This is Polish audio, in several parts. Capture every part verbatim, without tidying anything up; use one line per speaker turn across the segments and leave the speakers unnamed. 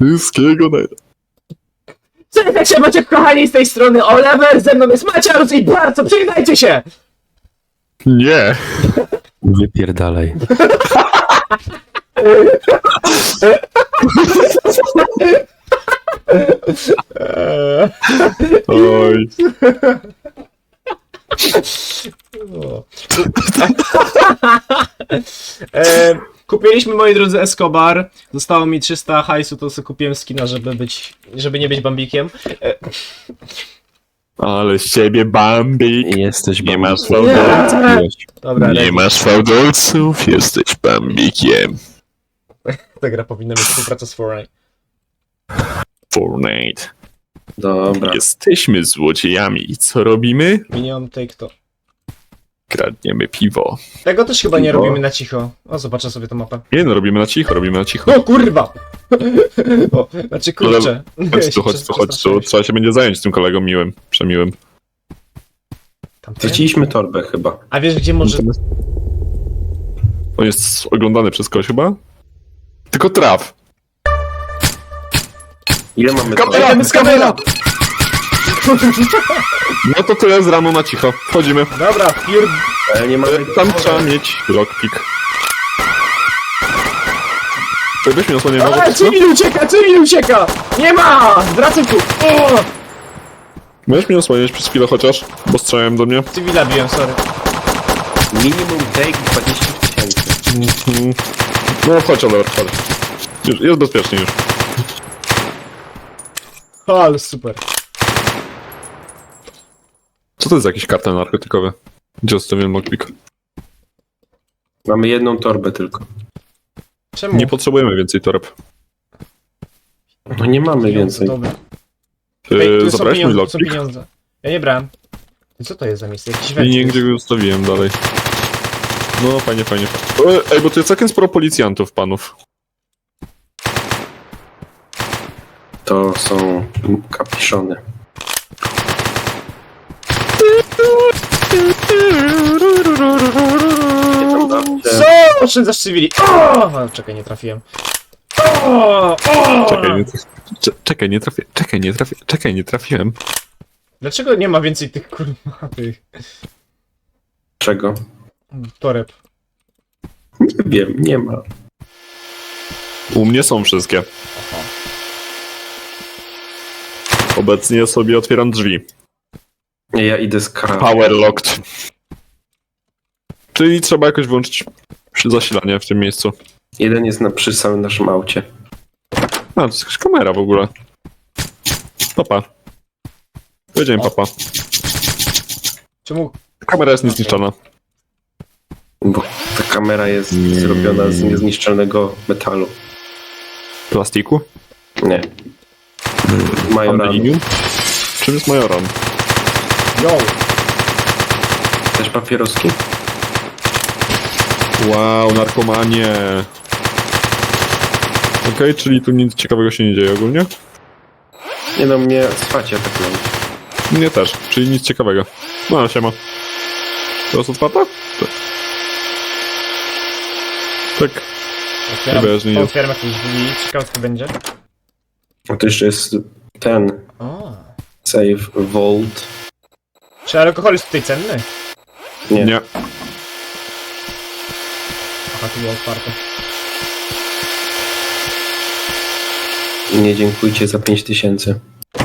Wszystkiego najlepszego.
Cześć, się macie kochani z tej strony Oliver, ze mną jest Maciarus i bardzo przygnajcie się!
Nie.
Wypierdalaj.
Oj.
e, kupiliśmy, moi drodzy, Escobar. Zostało mi trzysta hajsu, to sobie kupiłem skina, żeby być, żeby nie być bambikiem. E,
Ale z ciebie Bambik.
Jesteś
Nie masz
bambikiem.
fałdolców.
Dobra,
Nie
Rezi.
masz fałdolców, jesteś Bambikiem.
Ta gra powinna mieć współpracę z Fortnite.
Fortnite.
Dobra.
Jesteśmy złodziejami i co robimy?
Minion, take to.
Kradniemy piwo.
Tego też chyba nie
Piwo.
robimy na cicho. O, zobaczę sobie tą mapę.
Nie no, robimy na cicho, robimy na cicho.
No kurwa! O, znaczy kurczę.
Chodź tu, chodź tu, chodź tu. Trzeba się będzie zająć tym kolegą miłym, przemiłym.
Tamten?
Straciliśmy torbę chyba.
A wiesz gdzie może...
On jest oglądany przez kogoś chyba? Tylko traf.
Ile mamy
Kamera!
torby?
Jedziemy z kamerą!
No to tyle z rano na cicho. Wchodzimy.
Dobra, piór...
Ale nie mamy...
Tam trzeba mieć lockpick. To byś mi osłonił
Ale
może
cywil ucieka, cywil ucieka! Nie ma! Wracaj tu! O!
Możesz mnie osłonić przez chwilę chociaż? Bo strzelają do mnie.
Cywila biłem, sorry.
Minimum take dwadzieścia tysięcy.
Mhm. No chodź, Oliver, chodź. Już, jest bezpiecznie już.
O, ale super.
Co to jest za jakiś kartel narkotykowy? Gdzie zostawiłem lockpick?
Mamy jedną torbę tylko.
Czemu?
Nie potrzebujemy więcej toreb.
No nie mamy więcej.
Dobra. Ej,
Yy,
tu są
zabrałeś mój
pieniądze, tu są
lockpick?
pieniądze. Ja nie brałem. I co to jest za miejsce? Jakiś
I
węgiel.
nigdzie go zostawiłem dalej. No fajnie, fajnie. Ej, bo tu jest całkiem sporo policjantów, panów.
To są kapiszony. Nie tam dawcie.
Co? Oszczędzasz cywili. O! A, czekaj, nie trafiłem. O! O!
Czekaj, nie, cze- czekaj, nie trafię, czekaj, nie trafię, czekaj, nie trafiłem.
Dlaczego nie ma więcej tych kurwa tych
Czego?
toreb?
Nie wiem, nie ma.
U mnie są wszystkie. Obecnie sobie otwieram drzwi.
Nie, ja idę z kara.
Power locked. Czyli trzeba jakoś włączyć zasilanie w tym miejscu.
Jeden jest na, przy samym naszym aucie.
A, to jest jakaś kamera w ogóle. Papa. Powiedziałem papa.
Czemu?
Kamera jest niezniszczalna.
Bo ta kamera jest
Mm.
zrobiona z niezniszczalnego metalu.
Plastiku?
Nie. Majoran.
Aluminium? Czym jest majoran?
Yo!
Też papieroski?
Wow, narkomanie. Okej, czyli tu nic ciekawego się nie dzieje ogólnie?
Nie no, mnie swacie atakują.
Nie też, czyli nic ciekawego. No, siema. Teraz otwarta? Tak. Tak.
Otwieram,
Wiesz, nie jest.
otwieram jakieś drzwi. Ciekawe co będzie.
A to jeszcze jest ten
O.
save vault.
Czy alkohol jest tutaj cenny?
Nie.
Nie.
Aha, tu było otwarte.
Nie dziękujcie za pięć tysięcy.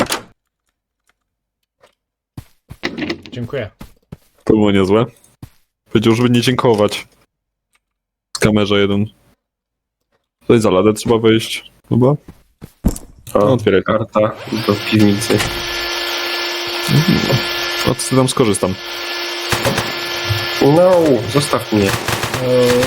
Dziękuję.
To było niezłe. Powiedział, żeby nie dziękować. Z kamerze jeden. Tutaj za ladę trzeba wejść. Chyba?
O,
No, otwieraj.
karta do piwnicy.
A co tam skorzystam?
No, zostaw mnie.
Eee...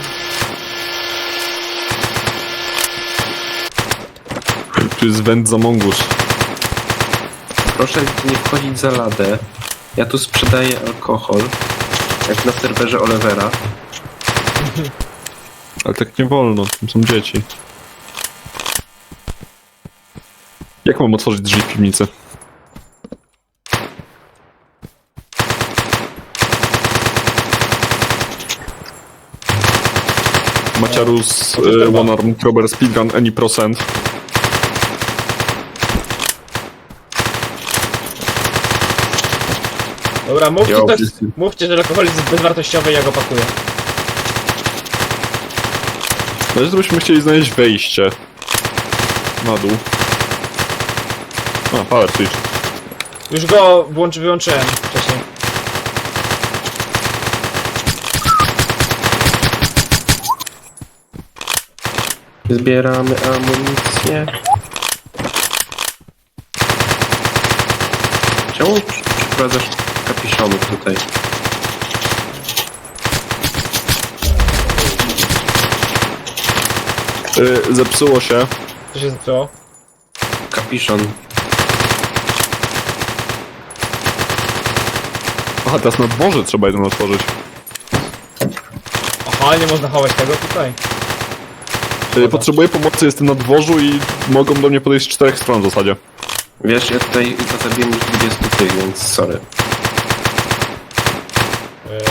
Tu jest węd za mongusz.
Proszę nie wchodzić za ladę. Ja tu sprzedaję alkohol. Jak na serwerze Olivera.
Ale tak nie wolno, tam są dzieci. Jak mam otworzyć drzwi w piwnicy? Maciarus, y, one arm robber speedgun, any procent.
Dobra, mówcie,
Ja
to,
opisy.
mówcie, że alkohol jest bezwartościowy i ja go pakuję.
Na razie to byśmy chcieli znaleźć wejście. Na dół. A, power switch.
Już go włączy, wyłączyłem wcześniej.
Zbieramy amunicję. Czemu przyprowadzasz kapiszonów tutaj?
Yy, zepsuło się.
Co się zepsuło?
Kapiszon.
Aha, teraz na dworze trzeba jeden otworzyć.
Aha, nie można chować tego tutaj.
Yy, potrzebuję pomocy, jestem na dworzu i mogą do mnie podejść z czterech stron w zasadzie.
Wiesz, ja tutaj zabiłem już dwudziestu tych, więc sorry.
Yy,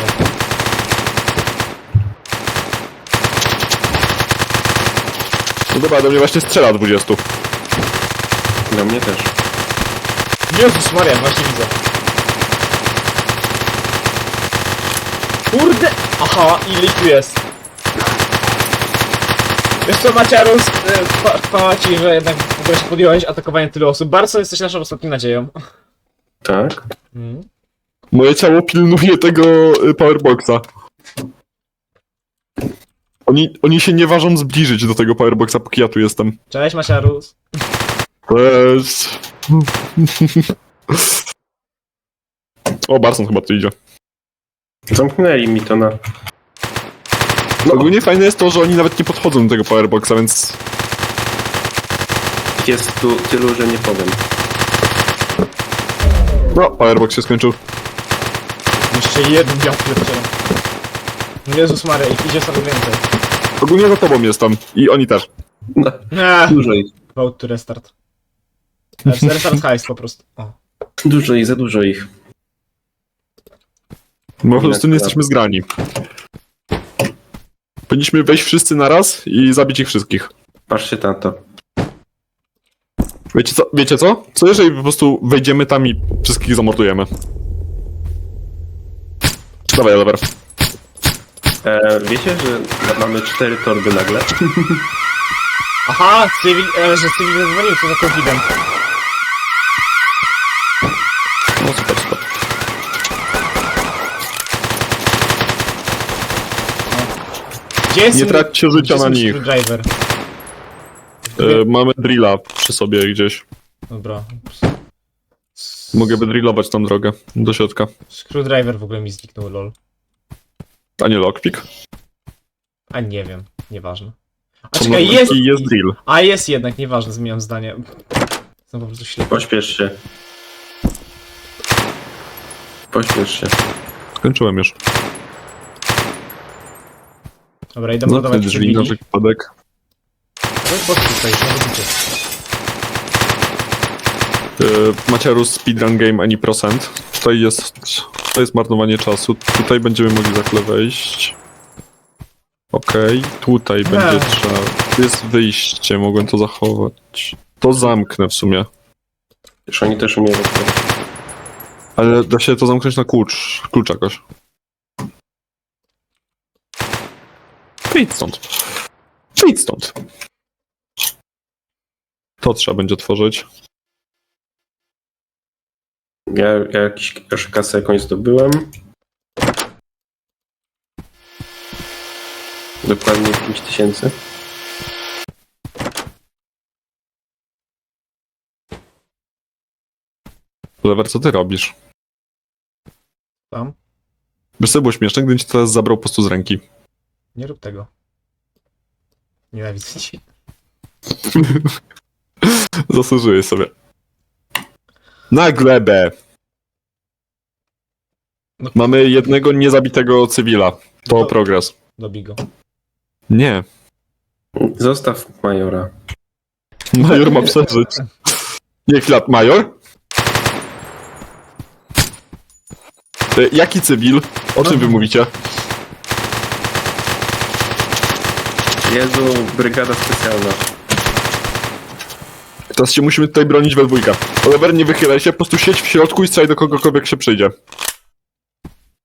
No dobra, do mnie właśnie strzela dwudziestu.
Do mnie też.
Jezus Maria, właśnie widzę. Kurde! Aha, ile ich tu jest? Wiesz co, Maciarus, e, chwa- chwała ci, że jednak w ogóle się podjąłeś atakowanie tylu osób. Barson, jesteś naszą ostatnią nadzieją.
Tak?
Mm.
Moje ciało pilnuje tego y, powerboxa. Oni, oni się nie ważą zbliżyć do tego powerboxa, póki ja tu jestem.
Cześć, Maciarus.
Cześć. O, Barson chyba tu idzie.
Zamknęli mi to na...
No. Ogólnie fajne jest to, że oni nawet nie podchodzą do tego powerboxa, więc...
Jest tu tylu, że nie powiem.
No, powerbox się skończył.
Jeszcze jeden dział pierdzielę. Jezus Maria, ich idzie sobie więcej.
Ogólnie za tobą jestem. I oni też.
No,
Eee,
dużo ich.
vote to restart. Znaczy, restart heist po prostu. O.
Dużo ich, za dużo ich.
My po prostu nie jesteśmy zgrani. Powinniśmy wejść wszyscy naraz i zabić ich wszystkich.
Patrzcie na to.
Wiecie co? Wiecie co? Co jeżeli po prostu wejdziemy tam i wszystkich zamordujemy? Dawaj, Oliver.
E, wiecie, że mamy cztery torby nagle?
Aha, cywil, e, że cywil zadzwonił, co za confident.
No super, super.
Gdzie jest
Nie traćcie życia
gdzie
na
jest
nich.
Screwdriver?
E, mamy drilla przy sobie gdzieś.
Dobra.
Mogę wydrillować tą drogę do środka.
Screwdriver w ogóle mi zniknął, lol.
A nie lockpick?
A nie wiem, nieważne. A
Są
czekaj,
lockpicki
jest!
i jest drill.
A jest jednak, nieważne, zmieniam zdanie. Jestem po prostu ślepy.
Pośpiesz się. Pośpiesz się.
Skończyłem już.
Dobra, idę
No,
mordować
te
przy
drzwi na
Billy.
wypadek.
No i po co tutaj, no widzicie.
E, Maciarus speedrun game any procent. Tutaj jest... To jest marnowanie czasu. Tutaj będziemy mogli za chwilę wejść. Okej, tutaj będzie
Ech.
trzeba... Tu jest wyjście, mogłem to zachować. To zamknę w sumie.
Już oni też umieją.
Ale da się to zamknąć na klucz. Klucz jakoś. Wyjdź stąd. Wyjdź stąd. To trzeba będzie otworzyć.
Ja, ja jakiś, już kasę jakąś zdobyłem. Dokładnie pięć tysięcy.
Lewer, co ty robisz?
Tam?
Wiesz co było śmieszne, gdybym ci teraz zabrał po prostu z ręki.
Nie rób tego. Nienawidzę cię.
Zasłużyłeś sobie. Na glebę!
No.
Mamy jednego niezabitego cywila. To
No.
progres.
Dobij go.
Nie.
Zostaw majora.
Major ma przeżyć. Nie, chwila, major? E, Jaki cywil? O czym wy mówicie?
Jezu, brygada specjalna.
Teraz się musimy tutaj bronić we dwójkę. Oliver, nie wychylaj się, po prostu siedź w środku i strzelaj do kogokolwiek się przyjdzie.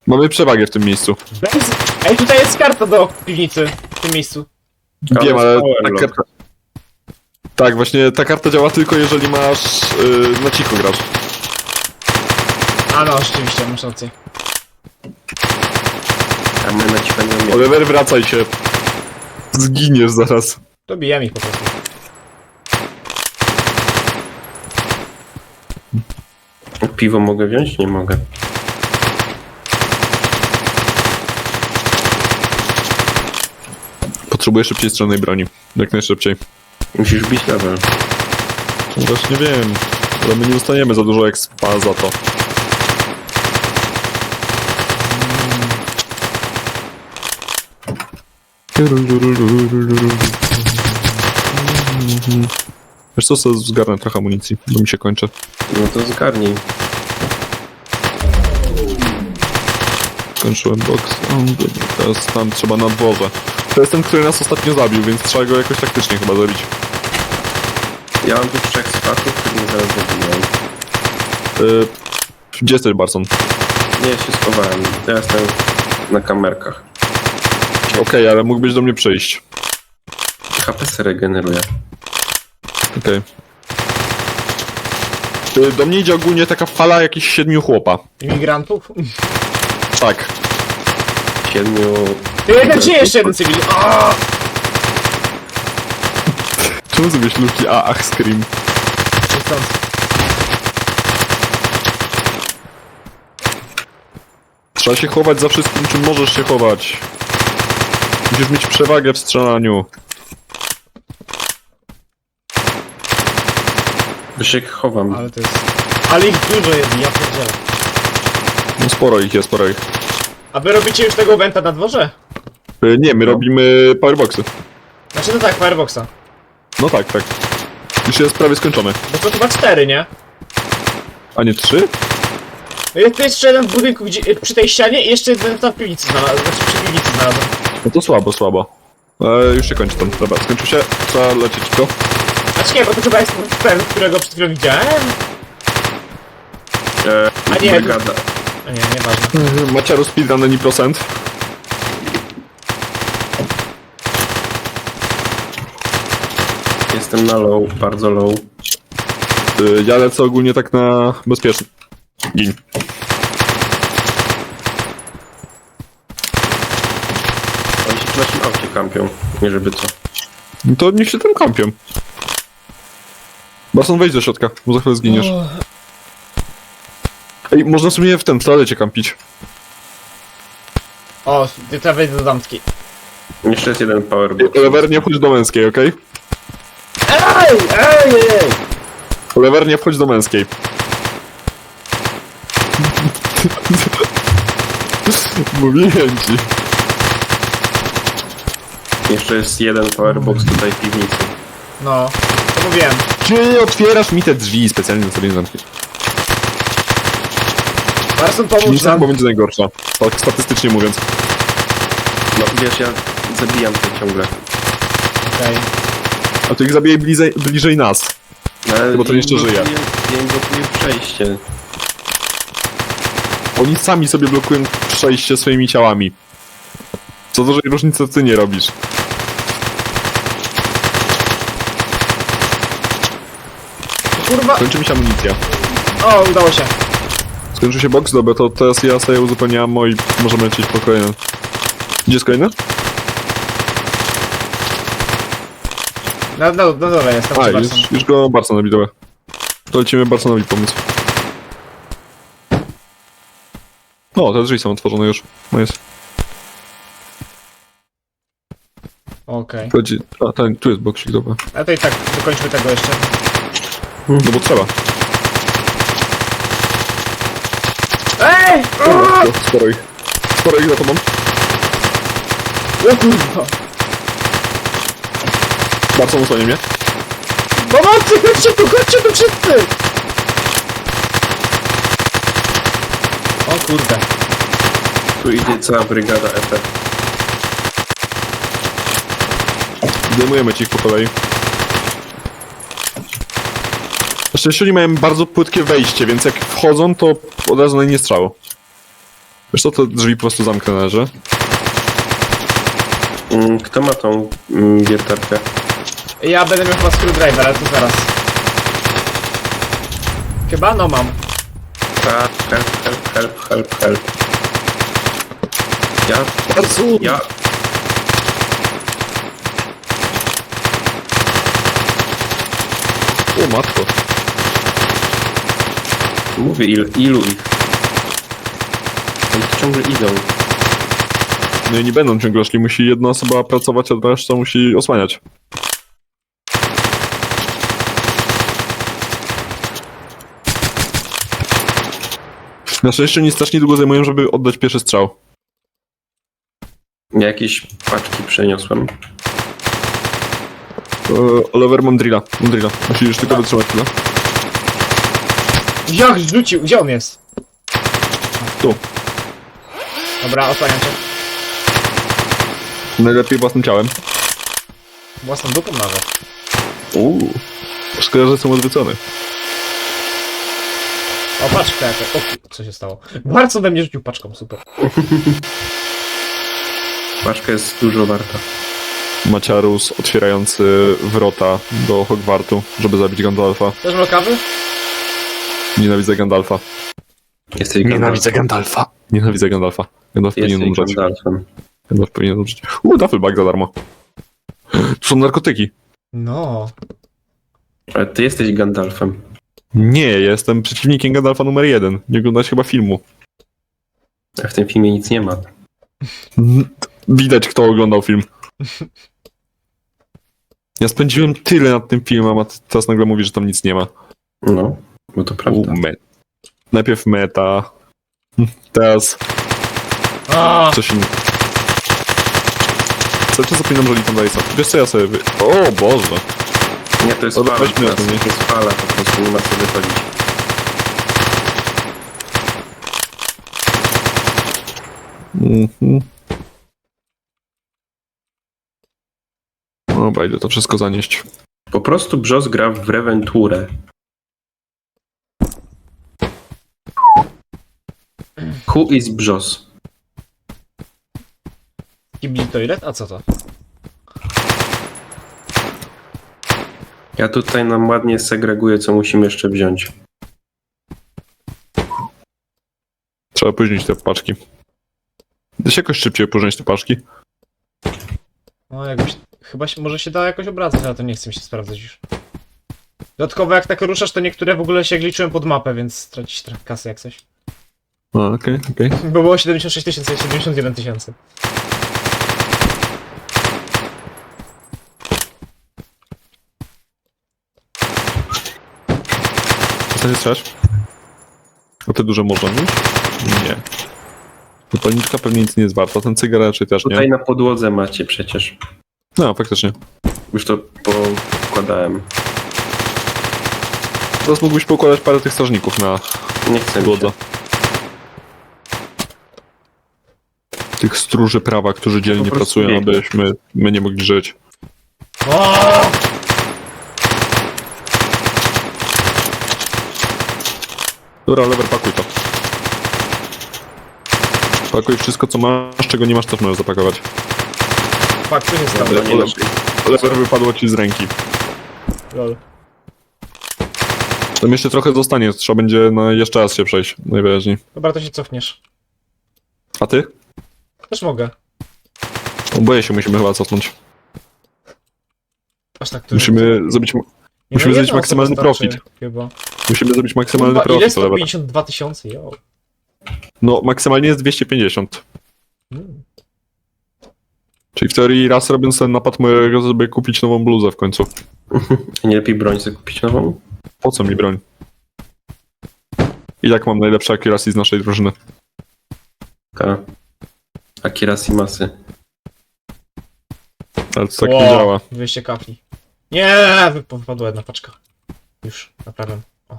Mamy przewagę w tym miejscu.
Bez... Ej, tutaj jest karta do piwnicy. W tym miejscu.
Ale
Wiem, ale
jest power
ta
lock.
karta... Tak, właśnie ta karta działa tylko jeżeli masz... Yy, na cicho grasz.
A no, rzeczywiście, masz rację.
A my na cicho nie umiemy.
Oliver, wracaj się. Zginiesz zaraz.
Dobijam ich po prostu.
Piwo mogę wziąć? Nie mogę.
Potrzebuję szybciej strzelnej broni. Jak najszybciej.
Musisz bić level.
No właśnie wiem. Ale my nie dostaniemy za dużo expa za to. Wiesz co, sobie zgarnę trochę amunicji, bo mi się kończy.
No to zgarnij.
Skończyłem box. O, teraz tam trzeba na dworze. To jest ten, który nas ostatnio zabił, więc trzeba go jakoś taktycznie chyba zabić.
Ja mam tu trzech spaków, których mnie zaraz zabiją.
Yy, gdzie jesteś, Barson?
Nie, ja się schowałem. Ja jestem na kamerkach.
Okej, ale mógłbyś do mnie przyjść.
H P se regeneruje.
Okej. Yy, do mnie idzie ogólnie taka fala jakichś siedmiu chłopa.
Imigrantów?
Tak.
Siedmiu...
Ty jeden czy jeszcze jeden cywil? O!
Czemu zrobiłeś luki A, ach, scream?
Niechcący.
Trzeba się chować za wszystkim, czym możesz się chować. Musisz mieć przewagę w strzelaniu.
Bo się chowam.
Ale to jest... Ale ich dużo jest, ja pierdzielę.
No sporo ich jest, sporo ich.
A wy robicie już tego eventa na dworze?
Yy, nie, my
No.
robimy powerboxy.
Znaczy no tak, Fireboxa.
No tak, tak. Już jest prawie skończony.
Bo to chyba cztery, nie?
A nie trzy?
No jest, to jest jeszcze jeden w budynku gdzie, przy tej ścianie i jeszcze jeden tam w piwnicy znalazłem. Znaczy przy piwnicy znalazłem.
No to słabo, słabo. E, już się kończy ten. Dobra, skończył się. Trzeba lecieć go.
Znaczy nie, bo to chyba jest ten, którego przed chwilą widziałem.
E,
A nie,
brygada.
A nie, nieważne.
Maciaru speedrun any procent.
Jestem na low, bardzo low.
Y, ja lecę ogólnie tak na bezpieczny. Gin.
Oni się w naszym aucie kampią. Nie żeby co.
No to niech się tam kampią. Barson, wejdź do środka, bo za chwilę zginiesz. Ej, można sobie w ten, w toalecie kampić.
O, ty trzeba wejść do damski.
Jeszcze jest jeden powerbox.
Lever, nie wchodź do męskiej, okej?
Ej, ej, ej!
Lever, nie wchodź do męskiej. Mówiłem ci.
Jeszcze jest jeden powerbox tutaj w piwnicy.
No, to mówiłem.
Czy otwierasz mi te drzwi specjalnie na sobie nie zamkniesz?
Barson, pomóż
Piwnica
nam.
chyba będzie najgorsza. Tak statystycznie mówiąc.
No wiesz, ja zabijam to ciągle.
Okej.
A to ich zabije bliżej, bliżej nas.
Ale
Bo to jeszcze
im
żyje.
blokuję- Ja im blokuję przejście.
Oni sami sobie blokują przejście swoimi ciałami. Co dużej różnicy ty nie robisz.
Kurwa.
Kończy mi się amunicja.
O, udało się.
Skończył się box, dobra, to teraz ja sobie uzupełniam ammo i możemy lecieć po kolejne. Gdzie jest kolejny?
Na, na, na dole jest, tam
A,
przy
już,
Barson.
już go Barsonowi, dobra. To lecimy Barsonowi pomóc. O, te drzwi są otworzone już. No jest.
Okej.
Chodzi... A, ten, tu jest boksik, dobra.
A to i tak, dokończmy tego jeszcze.
No bo trzeba.
Ej!
Dobra, sporo ich. Sporo ich za tobą.
O kurwa.
Barson usłania mnie.
Pomocy, chodźcie tu, chodźcie tu wszyscy! O kurde.
Tu idzie cała brygada F F.
Zdejmujemy ci ich po kolei. Na szczęście oni mają bardzo płytkie wejście, więc jak wchodzą, to od razu na nie strzało. Wiesz co, to drzwi po prostu zamknę na razie.
Mm, Kto ma tą mm, wiertarkę?
Ja będę miał chyba screwdriver, ale to zaraz. Chyba? No mam.
Help, help, help, help, help, help. Ja... Ja...
O matko.
Mówię, il, ilu ich? Oni tu ciągle idą.
No i nie będą ciągle szli, musi jedna osoba pracować, a reszta musi osłaniać. Na szczęście nie strasznie długo zajmują, żeby oddać pierwszy strzał.
Ja jakieś paczki przeniosłem.
Eee, Oliver, mam drilla. Mam drilla. Musisz tylko wytrzymać chwilę.
Jak rzucił? Gdzie on jest?
Tu.
Dobra, osłaniam cię.
Najlepiej własnym ciałem.
Własną dupą nawet.
Uuu. Szkoda, że jestem odwrócony.
O, paczka jaka. O, ku- co się stało? Bardzo we mnie rzucił paczką, super.
Paczka jest dużo warta.
Maciarus otwierający wrota do Hogwartu, żeby zabić Gandalfa.
Też ma kawy?
Nienawidzę Gandalfa.
Jesteś
Gandalfa. Nienawidzę Gandalfa. Gandalf powinien
Jesteś
umrzeć.
Gandalfem.
Gandalf powinien umrzeć. Uuu, Duffelbag za darmo. To są narkotyki.
No.
Ale ty jesteś Gandalfem.
Nie, ja jestem przeciwnikiem Gandalfa numer jeden. Nie oglądałeś chyba filmu.
A w tym filmie nic nie ma.
Widać, kto oglądał film. Ja spędziłem tyle nad tym filmem, a teraz nagle mówi, że tam nic nie ma.
No, bo to prawda.
U, me... Najpierw meta. Teraz
A,
coś innego. Cały czas zapominam, że liczę Dice'a. Wiesz co, ja sobie... Wy... O Boże!
Nie, to jest
Dobra,
fala.
weźmy
teraz.
to, nie?
To jest fala, po prostu nie ma co wychodzić.
Mhm. Dobra, idę to wszystko zanieść.
Po prostu Brzos gra w Reventurę. Who is Brzos?
kibli toilet? A co to?
Ja tutaj nam ładnie segreguję, co musimy jeszcze wziąć.
Trzeba opóźnić te paczki. Da się jakoś szybciej opóźnić te paczki?
No jakbyś... Chyba się, może się da jakoś obracać, ale to nie chcę mi się sprawdzać już. Dodatkowo jak tak ruszasz, to niektóre w ogóle się gliczyłem pod mapę, więc stracisz trochę kasy jak coś.
A, okej, okej.
Bo było siedemdziesiąt sześć tysięcy, siedemdziesiąt jeden tysięcy.
Co nie chcesz? A te duże można już? Nie. Zapalniczka pewnie nic nie jest warta, ten cygar raczej też
Tutaj
nie.
na podłodze macie przecież.
No, faktycznie.
Już to pokładałem.
Teraz mógłbyś pokładać parę tych strażników na
Nie chcę mi
podłodze.
się.
Tych stróży prawa, którzy dzielnie
Po prostu
pracują,
biegnie.
abyśmy my nie mogli żyć.
O!
Dobra, lever, pakuj to. Pakuj wszystko, co masz, czego nie masz, też możesz zapakować.
Fuck, co się stało?
Dobra, nie lepiej.
Lever wypadło ci z ręki.
Lol.
Tam jeszcze trochę zostanie, trzeba będzie na jeszcze raz się przejść, najwyraźniej.
Dobra, to się cofniesz.
A ty?
Też mogę.
Oboje się musimy chyba cofnąć.
Aż tak to...
Musimy zrobić,
Nie,
musimy
no,
zrobić
jedna
maksymalny
osoba starczy,
profit.
Chyba.
Musimy zrobić maksymalny
Kurwa, ile?
profit,
sto
lever.
pięćdziesiąt dwa tysiące, jo.
No, maksymalnie jest dwieście pięćdziesiąt.
Mm.
Czyli w teorii raz robiąc ten napad mogę sobie kupić nową bluzę w końcu.
Nie lepiej broń sobie kupić nową?
Po co mi broń? I tak mam najlepsze accuracy z naszej drużyny.
Ka. Akira Simasy.
Ale to tak
Ło,
nie działa.
dwieście kafli. Nie, wyp- wypadła jedna paczka. Już, naprawiam. O.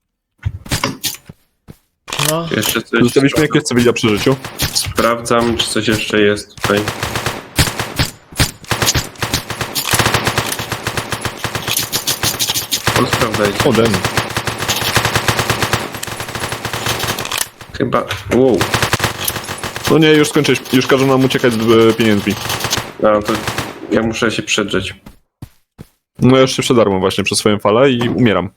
No,
Jeszcze coś
Zostawiliśmy jakieś cywila przy życiu.
sprawdzam, czy coś jeszcze jest tutaj. O, sprawdzajcie.
Oden.
Chyba... Wow.
No nie, już skończyłeś. Już każą nam uciekać z e, pieniędzmi.
No to ja muszę się przedrzeć.
No ja już się przedarłem właśnie przez swoją falę i umieram.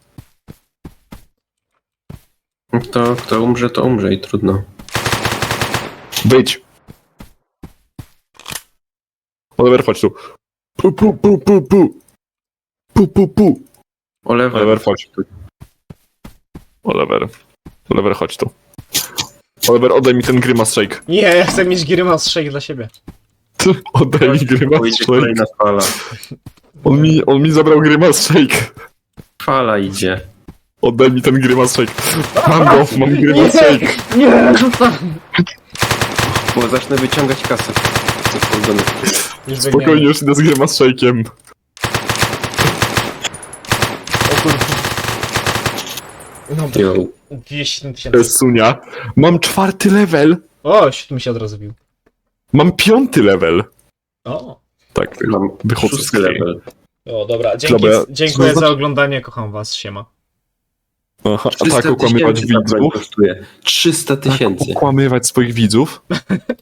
To kto umrze, to umrze i trudno.
Wyjdź. Oliver, chodź tu. Pu, pu, pu, pu, pu. Pu, pu, pu.
Oliver,
Oliver, chodź tu. Oliver. Oliver, chodź tu. Oliver, oddaj mi ten Grimace Shake.
Nie, ja chcę mieć Grimace Shake dla siebie.
Oddaj mi Grimace
Pójdzie
Shake.
kolejna fala.
On mi, on mi zabrał Grimace Shake.
Fala idzie.
Oddaj mi ten Grimace Shake. Mam go, mam Grimace Shake.
Nie, rzucam!
Bo zacznę wyciągać kasę. Co wchodzone.
Już
Spokojnie,
biegniemy.
już idę z Grimace Shake'iem.
O kurwa. No,
Yo.
dwieście
To
tysięcy.
jest Sunia. Mam czwarty level.
O, siódmy mi się od razu bił.
Mam piąty level.
O.
Tak,
Mam
wychodzę z
szósty
gry.
level.
O, dobra, dzięki,
Dobra, ja-
dziękuję
co
za
znaczy-
oglądanie, kocham was, siema.
Aha, a
trzysta
tak okłamywać
tysięcy ta broń
widzów.
kosztuje. trzysta
Tak
tysięcy.
okłamywać swoich widzów.